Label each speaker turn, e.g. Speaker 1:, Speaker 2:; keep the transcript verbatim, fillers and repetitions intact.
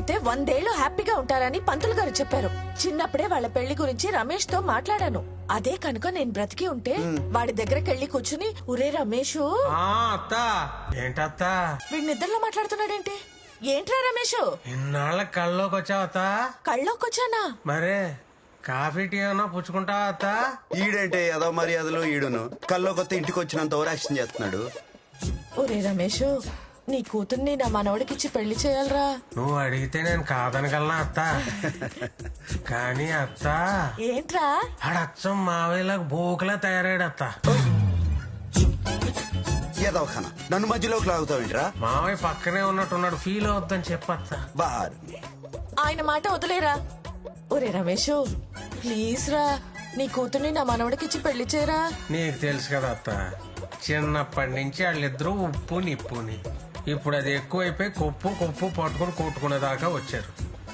Speaker 1: పెడితే వందేళ్లు హ్యాపీగా ఉంటారని పంతులు గారు చెప్పారు. చిన్నప్పుడే వాళ్ళ పెళ్లి గురించి రమేష్ తో మాట్లాడాను. అదే కనుక నేను బ్రతికి ఉంటే వాడి దగ్గరకి వెళ్లి కూర్చుని ఒరే రమేష్
Speaker 2: ఏంటత్త
Speaker 1: వీడి నిద్రలో మాట్లాడుతున్నాడేంటి? ఏంట్రా రమేష్
Speaker 2: ఇన్నాళ్ళ కళ్ళలోకి వచ్చావత్త?
Speaker 1: కళ్ళోకొచ్చానా?
Speaker 2: మరే కాఫీ టీ ఏమన్నా పుచ్చుకుంటావా అత్త?
Speaker 3: ఈడంటే ఏదో మర్యాదలు ఈడును కల్లో కొత్త ఇంటికి వచ్చినంత ఓవర్ యాక్షన్ చేస్తున్నాడు.
Speaker 1: ఒరే రమేష్ నీ కూతుర్ని నా మనవడికిచ్చి పెళ్లి చేయాలరా.
Speaker 2: నువ్వు అడిగితే నేను కాదనగలనా అత్త? కానీ అత్త
Speaker 1: ఏంట్రా
Speaker 2: ఆడచ్చం మావేలాగా బోకులా తయారాడు అత్త.
Speaker 3: ఏదో ఖానా నన్ను మధ్యలోకి లాగుతావేంట్రా?
Speaker 2: మావయ్య పక్కనే ఉన్నట్టున్నాడు, ఫీల్ అవుద్దని చెప్పత్త.
Speaker 3: బార్
Speaker 1: ఆయన మాట వదిలేరా. ఒరే రమేష్ ప్లీజ్ రా నీ కూతుర్ని నా మనవడికిచ్చి పెళ్లి చేయరా.
Speaker 2: నీకు తెలుసు కదా అత్త, చిన్నప్పటి నుంచి వాళ్ళిద్దరూ ఉప్పు నిప్పుని. ఇప్పుడు అది ఎక్కువైపోయి కొప్పు కొప్పు పట్టుకుని కొట్టుకునే దాకా వచ్చారు.